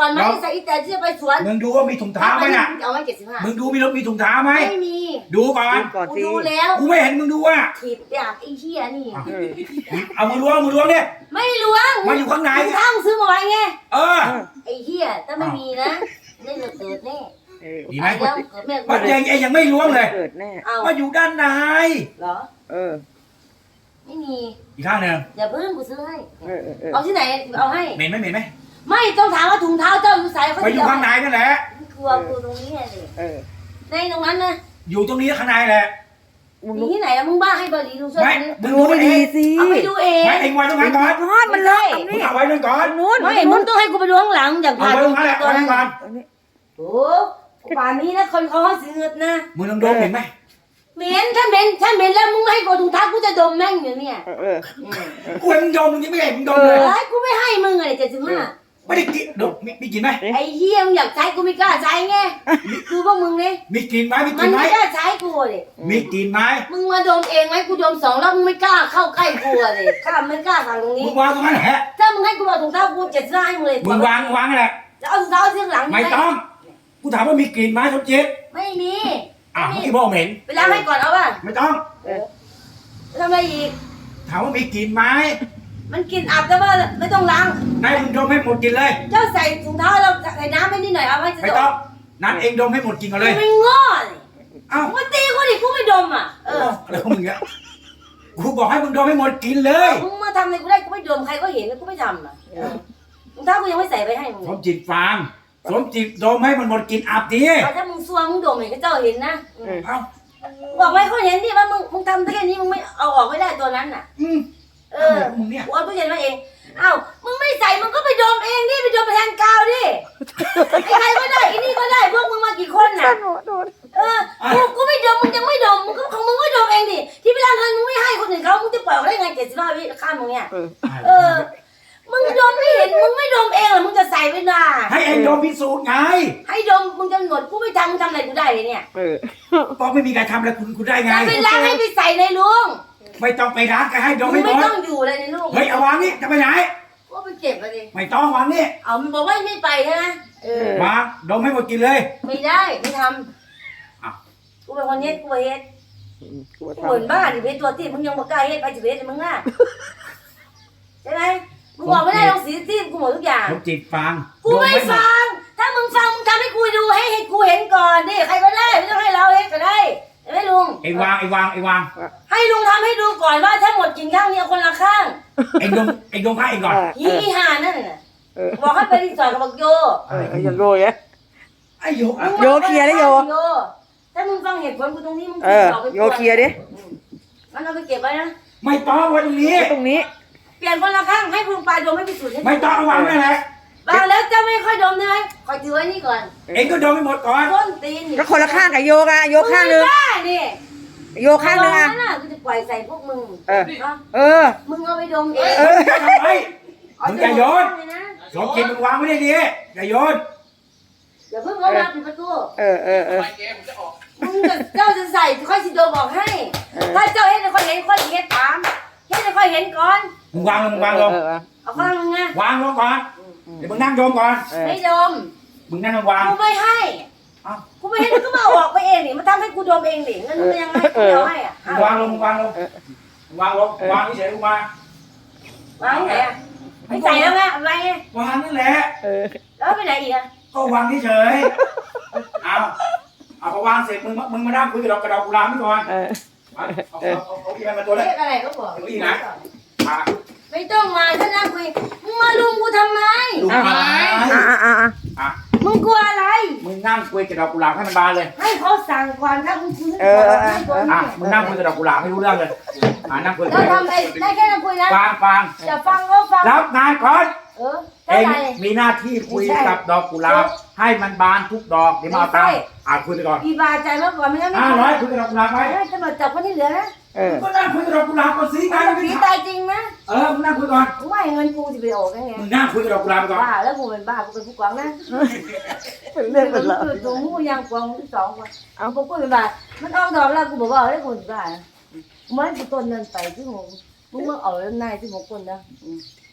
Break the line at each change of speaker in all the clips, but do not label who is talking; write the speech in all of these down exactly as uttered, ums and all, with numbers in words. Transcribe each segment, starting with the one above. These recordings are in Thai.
อนไหมใส่อีแต่ที่จะไปสวน
มึงดูว่ามีถุงเท้าไหมน่ะ
เอาไว้เจ็ดสิบห้า
มึงดูมีรถมีถุงเท้าไหม
ไม่มี
ดูก่อน
กูดูแล้ว
กูไม่เห็นมึงดูว่า
ถีบอยากไอ้เหี้ยนี่
เอามือล้วงมือล้วงเนี่ย
ไม่ล้วง
มาอยู่ข้างใน
ข้างซื้อมาไว้ไง
เออ
ไอ้เหี้ยถ้าไม่มีนะได้เกิดเกิดแน่
ดีไหม
มัน
ยังยังไม่ล้วงเลย
เกิดแน่
มาอยู่ด้านใน
เหรอ
เออ
ไม่มี
อีกข้างหนึ่ง
อย่าเพิ่งกูซื้อให้เอาที่ไหนเอาให้
เหม็นไหมเหม็นไหม
ไม่ต้องถามว่าถุงเท้าเจ้าอยู่ใส่
ไปอยู่ข้างในนั่นแหละ
กลัวกูตรงนี้ไงสิในตรงนั้นนะ
อยู่ตรงนี้ข้างในแหละ
มีที่ไหนมึงบ้าให้บริดูช่วย
มึงดูไม่ดี
สิ
เอาไปดูเอง
ไม่เองไว้ตรงนั้นก่อน
ทอดมันเลย
มึงเอาไว้ตรงก่อน
นู้น
ไม่มึงต้องให้กูไปดูข้างหลังอย่างผ่าน
ตัวนั้นก่อน
โอ้ป่านนี้นะคนเขาให้ซื้อเงินนะ
มึงลองดมเห็นไหม
เหม็นถ้าเหม็นถ้าเหม็นแล้วมึงไม่ให้กูถุงเท้ากูจะดมแม่งอยู่เนี่ย
กูให้มึงดมมึงยังไม่ให้มึงดมเลย
กูไม่ให้มึงเลยเจ็ดสิบห้า
ไม่ได้กินดมมีกินไหม
ไอ้เหี้ยมึงอยากใช้กูไม่กล้าใช้ไงดูพวกมึงนี่
มีกินไหมมีกิ
นไหมมัน
ไม่
กล้าใช้กูเลย
มีกินไหม
มึงมาดมเองไหมกูดมสองแล้วมึงไม่กล้าเข้าใกล้กูเลยข้าไม่กล้าทางตรงนี้
มึงวางตรงนั้นแหละ
ถ้ามึงให้กูเอาถุงเท้ากูเจ็ดสิบห้าให้มึงเลย
มึงวางวางแหละ
จะเอาถุงเท้าเสื้อหลัง
ไม่ต้องกูถามว่ามีกลิ่นไหมสมจิต
ไม่มี
อ่ะเมื่อกี้บอกเห็น
ไปล้างให้ก่อนเอาป่ะ
ไม่ต้อง
ทำอะไรอีก
ถามว่ามีกลิ่นไหม
มันกินอับแต่ว่าไม่ต้องล้าง
นายมึงดมให้หมดกินเลย
เจ้าใส่ถุงเท้าเราใส่น้ำให้นิดหน่อยเอาไว้จะ
ไม่ต้องนั่นเองดมให้หมดกินก่อนเลย
ไม่ง้อ
เอ้า
มึงตีกูดิกูไม่ดมอ่ะเออ
อะไรของมึงเนี่ยกูบอกให้มึงดมให้หมดกินเลย
มึงมาทำอะไรกูได้กูไม่ดมใครก็เห็นแล้วกูไม่ทำอ่ะถุงเท้ากูยังไม่ใส่ไปให้มึง
สมจิตฟาร์มสมจิตดมให้มันหมดกินอับดิ
ถ้ามึงซัวมึงดมเห็นก็เจ้าเห็นนะ
เอ้า
บอกไว้เขาเห็นดิว่ามึงมึงทำแค่นี้มึงไม่เอาออกไม่ได้ตัวนั้นน่ะเออ
มึงเนี่ย
กูเอาตู้เย็นมาเองเอ้ามึงไม่ใส่มึงก็ไปดมเองดิไปดมแทนกาวดิใครก็ได้อีนี่ก็ได้พวกมึงมากี่คนน่ะเออกูกูไม่ดมมึงยังไม่ดมมึงก็ของมึงก็ดมเองดิที่เวลาเงินมึงไม่ให้คนอื่นเขามึงจะปล่อยได้ไงเจ็ดสิบห้าวิข้ามมึงเนี่ยเออมึงดมไม่เห็นมึงไม่ดมเองหรอมึงจะใส่ไปน่ะ
ให้เองดมพิสูจน์ไง
ให้ดมมึงจะหนวดกูไม่ทำมึงทำอะไรกูได้เลยเนี่ย
เพราะไม่มีใครทำอะไรคุณคุณได้ไง
จะไปล้างให้ไปใส่ในลุง
ไม่ต้องไปล้างก็ให้ดมไม่หมด
ไม่ต้องอยู่เลยในลุง
เฮ้ยเอาวางนี่จะไปไหน
ก็ไปเก็บไปดิ
ไม่ต้องวางนี่
เอามันบอกว่าไม่ไปใช่ไหมเออ
วางดมให้หมดกินเลย
ไม่ได้ไม่ทำกูเป็นคนเฮ็ดกูเฮ็ดกูเหมือนบ้าดิเฮ็ดตัวที่มึงยังบอกกล้าเฮ็ดไปจะเฮ็ดมึงน่ะใช่ไหมมึงบอกไม่ได้ลองสีที่กูหมดทุกอย่าง
ผมจิตฟัง
กูไม่ฟังถ้ามึงฟังมึงทำให้กูดูให้ให้กูเห็นก่อนดิใครก็ได้ไม่ต้องให้เราเฮ็ดก็ได้เห็นไหมลุง
ไอ้วางไอ้วางไอ้วาง
ให้ลุงทำให้ดูก่อนว่าถ้าหมดกินข้างนี้คนละข้าง
ไอ้ดงไอ้ดงข้างไอ้ก่อน
ฮีอีห่านั่นน่ะบอกให้ไปรีสอร์ทกับบอกโย
ไอ้โยโย่
ไอ้โย
โยเคลียร์ได้โย
ถ้ามึงฟังเหตุผลกูตรงนี้มึง
เออโยเคลียร์ดิ
มันเอาไปเก็บไว้นะ
ไม่ต้องไว้ตรงนี้
ตรงนี้
เปลี่ยนคนละข้างให้ลุงปลายดมให้พิสูจน์
ไม่ต้องวางนั่นแหละ
วางแล้วจะไม่ค่อยดมได้ไหมคอยถือไว้นี่ก่อน
เองก็ดมให้หมดก่อน
ต้นตีน
ก็คนละข้างกับโยกอะโยข้างนึงโยข้างนึงอะ
กูจะปล่อยใส่พวกมึง
เออเออ
มึงเอาไปดมเอง
ทำไมมึงอย่าโยนสองกินมึงวางไม่ได้ดีอย่าโยน
อย่าเพิ่งเอามาปิดประตู
เออเออเออ
มึงจะเจ้าจะใส่ค่อยสิโดบอกให้ถ้าเจ้าเห็นค่อยเห็นค่อยเห็นตามเห็นค่อยเห็นก่อน
มึงวางลงมึงวางลง
เอาข้างนึงไง
วางลงก่อนเดี๋ยวมึงนั่งดมก่อน
ไม่ดม
มึงนั่งวาง
กูไม่ให้กูไม่ให้มึงก็มาออกไปเองนี่มาทำให้กูดมเองดิงั้นมึงยังไงกูจะให้อ่ะ
วางลงวางลงวางลงวางเฉยลงม
าวางไหนอ่ะไม่ใส่แล้วไงอะไรไง
วางนั่นแหละ
แล้วไปไหนอีกอ่ะ
ก็วางเฉยเอาเอาพอวางเสร็จมึงมึงมานั่งคุยกับดอกกระดอกกุหลาบนี่ก่อนเอาเอาเอาเอาที่มันมาตัวเล็ก
อะไรก็บอก
อีนะ
ไม่ต้องมาถ้านั่งคุยมึงมาลุมกูทำไม
ลุมทำไม
อ่ะมึงกลัวอะไร
มึงนั่งคุยกับดอกกุหลาบให้มันบานเลย
ให้เขาสั่งก่อนถ้ามึงคุย
เออ
อ่ะมึงนั่งคุยกับดอกกุหลาบไม่รู้เรื่องเลยอ่ะนั่งคุย
เราทำไอ้ได้แค่นั่งคุยนะ
ฟังฟัง
จะฟังก็ฟัง
รับงานก่อน
เออ
เองมีหน้าที่คุยกับดอกกุหลาบให้มันบานทุกดอกเดี๋ยวมาตั้งอ่ะคุยไปก่อน
อีบาใจมากกว่าไม่งั้นไม่
ห้าร้อยคุยกับดอกกุหลาบไป
ให้ตำรวจจับคนที่เหลือนะ
ก็นั่งคุยกับดอกกุหลาบก่อนสิไง
ผีตายจริงนะ
เออมึงนั่งคุยก่อน
กูว่าเงินกูจะไปออกได้ไง
มึงนั่งคุยกับดอกกุหลาบก่อน
บ้าแล้วกูเป็นบ้ากูเป็นผู้กองนะ
เป็นเรื่องเป็นราว
ตัวมูยังกองที่สองคนเอากูกูเป็นบ้ามันออกดอกแล้วกูบอกว่าได้กูเป็นบ้ามันกูต้นเงินไปที่หงมึงมึงเอาเรื่องนายที่หงคนนะ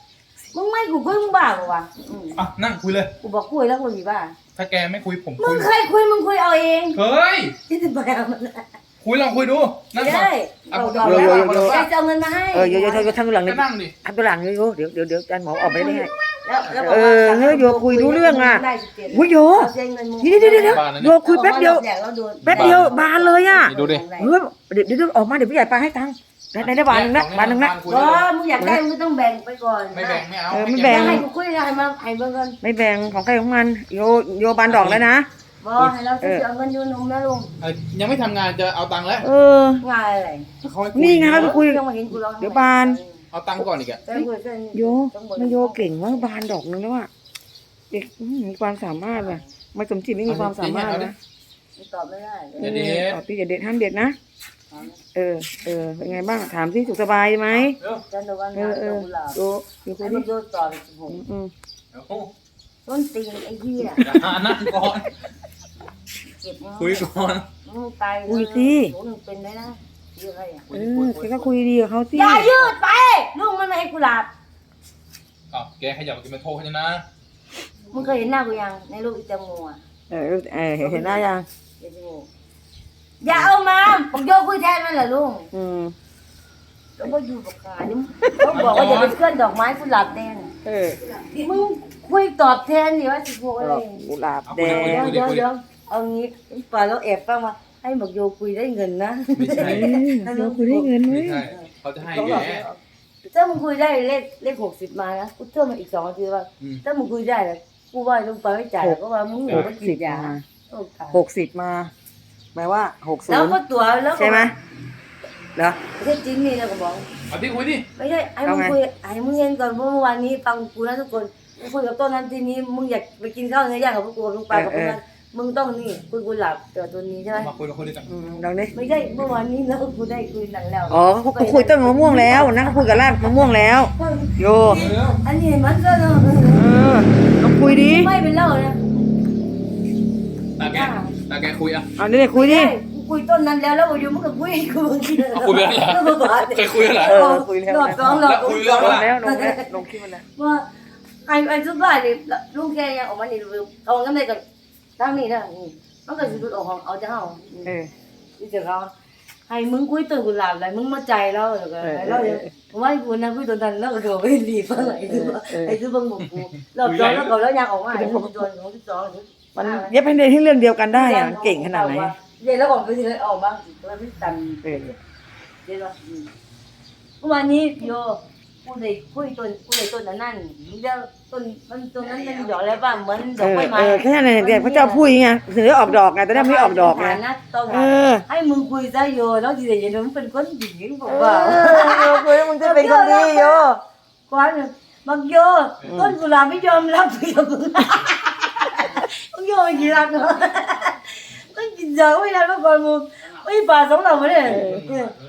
มึงไม่กูคุยมึงบ้าปะวะอืม
อ่ะนั่งคุยเลย
กูบอกคุยแล้วกูมีบ้า
ถ้าแกไม่คุยผม
มึ
คุ
ง
ย
เคยคุยมึงคุยเอาเอง
เฮ้ย
ที่จะไปเอามันนะ
คุยลองคุยดูนั่งก่อน
ได้
เอา
เอา
คน
เอา
เดียว
แล้ว
คนเดียว
ใครจะเอาเงินมาให้
เออโยโยโยโยทำตัวหลังเล
ก็
ย
นั่งดิ
ทำตัวหลังเลยโยเดี๋ยวเดี๋ยวเดี๋ยวอาจารย์หมอออกไปได้ไง
แล้วแล้วบอก
เอ
ว่า
อเฮ้ยโยคุยรู้เรื่องอะ
ได้สิบเจ็ด
อุ้ยโย
เอาเซ็นเงินมึง
เดี๋ยวเดี๋ยวเดี๋ยวเดี๋ยวโยคุยแป๊บเดียว
อามาหลอกแดกแล้วโดน
แป๊บเดียวบานเลยอ่ะ
นี่ดูดิ
เฮ้ยเดี๋ยวเดี๋ยวเดี๋ยวออกมาเดี๋ยวผู้ใหญ่ปาให้ตังค์ได้ได้ได้บานหนึ่งนะบานหนึ่งนะ
คุย
ก็
เลย
มึงอยากได้มึงก็ต้องแบ่งไปก่อน
ไม่แบ่งไม่เอา
เออไม่
เก็
แบ่ง
ให้กูคุยให้มาให้เบิ่งกัน
ไม่แบ่งของใครของมันโยโยบานดอกแล้วนะ
บ่ให้เราจะเอาเงินอยู่นมนะลุง
เอ้ยยังไม่ทำงานจะเอาตังค์แล้ว
เออ
ง่ายอะไร
เขาให้คุย
นี่ไงไปคุย
ต้องมาเห็นกูร้อง
เดี๋ยวบาน
เอาตังค์ก่อนอีกอะ
เส้นกูเส้น
โยมันโยเก่งว่ากบานดอกนึงแล้วอ่ะเด็กอื้อมีความสามารถว่ะไม่สมจิตไม่มีความสามารถนะ
ตอบไม่ได้
เออตอบพี่อย่าเด็ดห้ามเด็ดนะเออเออเป็นไงบ้างถามที่สุขสบายไหม
เร็ว
จันทร์วัน
เออเออ
กุหลาบ
โยโยคุ
ไอ้
ย
มึ
ดิ
งโยนต่อไปสิบหก
อืมอืม
เดี๋ยว
ต้นตีนไอ้เหี้ย
อ่านั่งก่อน
เก็บ
คุยก่อน
มึงตายหนูหนึ่งเป็นไหมนะชื่ออะไรอ่ะ
เออแกก็คุยดีกับเขาสิ
อย่ายืดไปลุงมันไม่ให้กุหลาบ
อ้าวแกขยับกินเป็นโทษให้นะ
มึงเคยเห็นหน้ากูยังในรูปอีแตงโมอ่ะ
เออเออเห็นเห็นหน้ายัง
อีแตงโมอย่าเอามาผมโยกคุยแทนมันเหรอลุง
อืม
แล้วก็อยู่กับขานี่เขาบอกว่าอย่าเป็นเพื่อนดอกไม้กุหลาบแดง
เออ
มึงคุยตอบแทนดิว่าสิบหกอะไร
กุหลาบแด
เดี๋ยว
ง
เดี๋ยวเดี๋ยวเอางี้ป่าเราแอบฟังมาให้หมกโยคุยได้เงินนะ
ไม่ใช่
เดี๋ยวคุยได้เงินไหม
ไม่ใช่เขาจะให้แก
ถ้ามึงคุยได้เลขเลขหกสิบมานะกูเพิ่มมาอีกสองนาทีว่า
อืม
ถ้ามึงคุยได้เลยกูว่าลุงไปไม่จ่ายก็ว่ามึงหนูไม่กินยา
หกสิบมาแปลว่าหกศู
แล้ว
นย์
ก็ตัวแล้ว
ใช่ไหมเหรอ
ไม่ใช่จริงนี่แล้วก็บอก
เอาที่คุยดิ
ไม่ใช่ไอ้มึงคุยไอ้มึงเห็นก่อนเมื่อวานนี้ฟังกูนะทุกคนกูคุยกับต้นนั้นทีนี้มึงอยากไปกินข้าวเนื้อย่างกับพวกกูลุงไปกับพวกนั้นมึงต้องนี่คุยกูหลับเจอตัวนี้ใช่ไหม
มาคุยมาคุยด้วยกัน
อืมลองดิ
ไม่ใช่เมื่อวานนี้แล้วกูได้คุยหนังแล้ว
อ๋อเขาเขาคุยต้นมะม่วงแล้วนะเขาคุยกับรากมะม่วงแล้วโย
เร็ว
อันนี้มันก็เนอะ
เออลองคุยดิ
ไม่เป็นเล่านะ
ตาแกตาแกคุยอ่ะ
เอาเนี่ยคุยดิ
ใช่กูคุยต้นนั้นแล้วแล้วอยู่มึงก็คุยกู
เอาคุยไปแล้วเหรอเคยคุยแล้วเหรอ
เออคุยแล้ว
รอบสองรอบ
แล้วคุยเรื่อง
ล
อะไร
งแล้วลงแล้วลงคลิปมันแล้ว
ว่าไอ้ไอ้ทุกบ้านนี่ลุงแกยังออกมานี่เอางั้นได้กับทั้งนี้นะมันก็สิออกของเอาจะเฮา
เออ
ที่จะเขาให้มึงคุยต้นกุหลาบอะไรมึงมาใจแล้วแล้วก็แล้วว่ากูนะคุยต้นนั้นแล้วก็โดนไปรีบอะไรคือไอ้คือบังบุกกูรอบสองแล้วก็แล้วยังออกมาไอ้โดนของที่สอง
มันเย็บให้ในที่เรื่องเดียวกันได้อะมันเก่งขนาดไหน
เดี๋ยวแล้วออกไปทีละออกบ้างสิตัวไม่ตัน
เออ
เดี๋ยวเมื่อวานนี้โยกูได้คุยต้นกูได้ต้นนั่นเดี๋ยวต้นมันต้นนั้นมันดอกแล้วป่ะเหมือนด
เอ
อก
อ
ไม้ไม้
เออแค่นั้นเองเด็กพระเจ้าพูดไงถึงได้ออกดอกไงแต่ได้ไม่ออกดอกไง
ต้อง
เออ
ให้มึงคุยซะโยแล้วทีเดียวมึงเป็นคนหญิงบอก
เอ
ว่า
อโยคุยมึงจะเป็นคนดีโย
กวนบักโยต้นกุหลาบไม่ยอมรับเพียงมึงมึงโยไม่กี่รักเนาะก็กินเจอไม่ได้เมื่อก่อนมึงไม่ป่าสองเราไม่ได้